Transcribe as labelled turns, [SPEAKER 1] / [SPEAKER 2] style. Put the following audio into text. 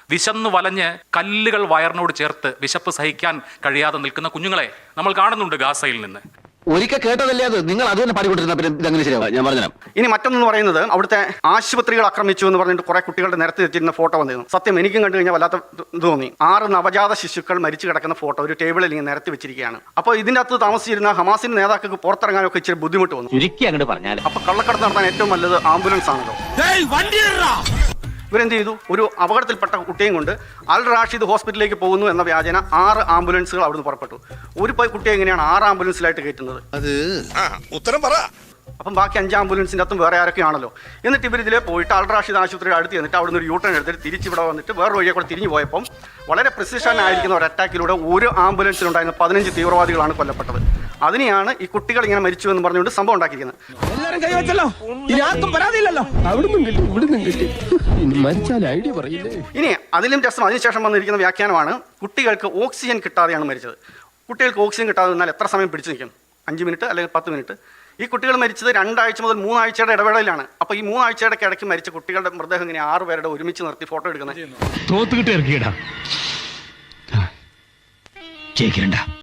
[SPEAKER 1] വിശന്നു വലഞ്ഞ് കല്ലുകൾ വയറിനോട് ചേർത്ത് വിശപ്പ് സഹിക്കാൻ കഴിയാതെ നിൽക്കുന്ന കുഞ്ഞുങ്ങളെ നമ്മൾ കാണുന്നുണ്ട് ഗാസയിൽ നിന്ന്.
[SPEAKER 2] ഒരിക്കൽ കേട്ടതല്ലേ അത്, നിങ്ങൾ അത് തന്നെ പാടിക്കൊണ്ടിരുന്ന പിന്നെ ഇതങ്ങനെ ശരിയാവും. ഞാൻ പറഞ്ഞു
[SPEAKER 3] ഇനി മറ്റൊന്ന് പറയുന്നത്, അവിടുത്തെ ആശുപത്രികൾ ആക്രമിച്ചു എന്ന് പറഞ്ഞിട്ട് കുറെ കുട്ടികളുടെ നിരത്തി വെച്ചിരുന്ന ഫോട്ടോ വന്നിരുന്നു. സത്യം എനിക്കും കണ്ടു കഴിഞ്ഞാൽ വല്ലാത്ത ഇത് തോന്നി. 6 നവജാത ശിശുക്കൾ മരിച്ചു കിടക്കുന്ന ഫോട്ടോ ഒരു ടേബിളിൽ ഇങ്ങനെ നിരത്തി വെച്ചിരിക്കുകയാണ്. അപ്പോൾ ഇതിന്റെ അകത്ത് താമസിച്ചിരുന്ന ഹമാസിന്റെ നേതാക്കൾക്ക് പുറത്തിറങ്ങാനൊക്കെ ഇച്ചിരി ബുദ്ധിമുട്ട് വന്നു. അപ്പൊ കള്ളക്കടത്ത് നടത്താൻ ഏറ്റവും നല്ലത് ആംബുലൻസ് ആണല്ലോ. ഇവരെന്ത് ചെയ്തു? ഒരു അപകടത്തിൽപ്പെട്ട കുട്ടിയും കൊണ്ട് അൽ റാഷിദ് ഹോസ്പിറ്റലിലേക്ക് പോകുന്നു എന്ന വ്യാജന 6 ആംബുലൻസുകൾ അവിടുന്ന് പുറപ്പെട്ടു. ഒരു കുട്ടിയെ എങ്ങനെയാണ് 6 ആംബുലൻസിലായിട്ട് കയറ്റുന്നത്?
[SPEAKER 4] ഉത്തരം പറ.
[SPEAKER 3] അപ്പം ബാക്കി 5 ആംബുലൻസിൻ്റെ അകത്തും വേറെ ആരൊക്കെയാണല്ലോ. എന്നിട്ട് ഇവരിതിലെ പോയിട്ട് അൽ റാഷിദ് ആശുപത്രിയുടെ അടുത്ത് എന്നിട്ട് അവിടുന്ന് ഒരു യൂട്ടേൺ എടുത്തിട്ട് തിരിച്ചിവിടെ വന്നിട്ട് വേറെ വഴിയെ കൂടെ തിരിഞ്ഞു പോയപ്പം വളരെ പ്രിസിഷൻ ആയിരിക്കുന്ന ഒരു അറ്റാക്കിലൂടെ ഒരു ആംബുലൻസിലുണ്ടായിരുന്ന 15 തീവ്രവാദികളാണ് കൊല്ലപ്പെട്ടത്. അതിനെയാണ് ഈ കുട്ടികൾ ഇങ്ങനെ മരിച്ചു എന്ന് പറഞ്ഞുകൊണ്ട് സംഭവം ഉണ്ടാക്കിയിരിക്കുന്നത്. ഇനി അതിലും രസം അതിനുശേഷം വന്നിരിക്കുന്ന വ്യാഖ്യാനമാണ് കുട്ടികൾക്ക് ഓക്സിജൻ കിട്ടാതെയാണ് മരിച്ചത്. കുട്ടികൾക്ക് ഓക്സിജൻ കിട്ടാതെ നിന്നാൽ എത്ര സമയം പിടിച്ചു നിൽക്കും? 5 മിനിറ്റ് അല്ലെങ്കിൽ 10 മിനിറ്റ്. ഈ കുട്ടികൾ മരിച്ചത് 2 ആഴ്ച മുതൽ 3 ആഴ്ചയുടെ ഇടവേളയിലാണ്. അപ്പോൾ ഈ 3 ആഴ്ചയുടെ ഇടയ്ക്ക് മരിച്ച കുട്ടികളുടെ മൃതദേഹം ഇങ്ങനെ 6 പേരുടെ ഒരുമിച്ച് നിർത്തി ഫോട്ടോ എടുക്കുന്നത്.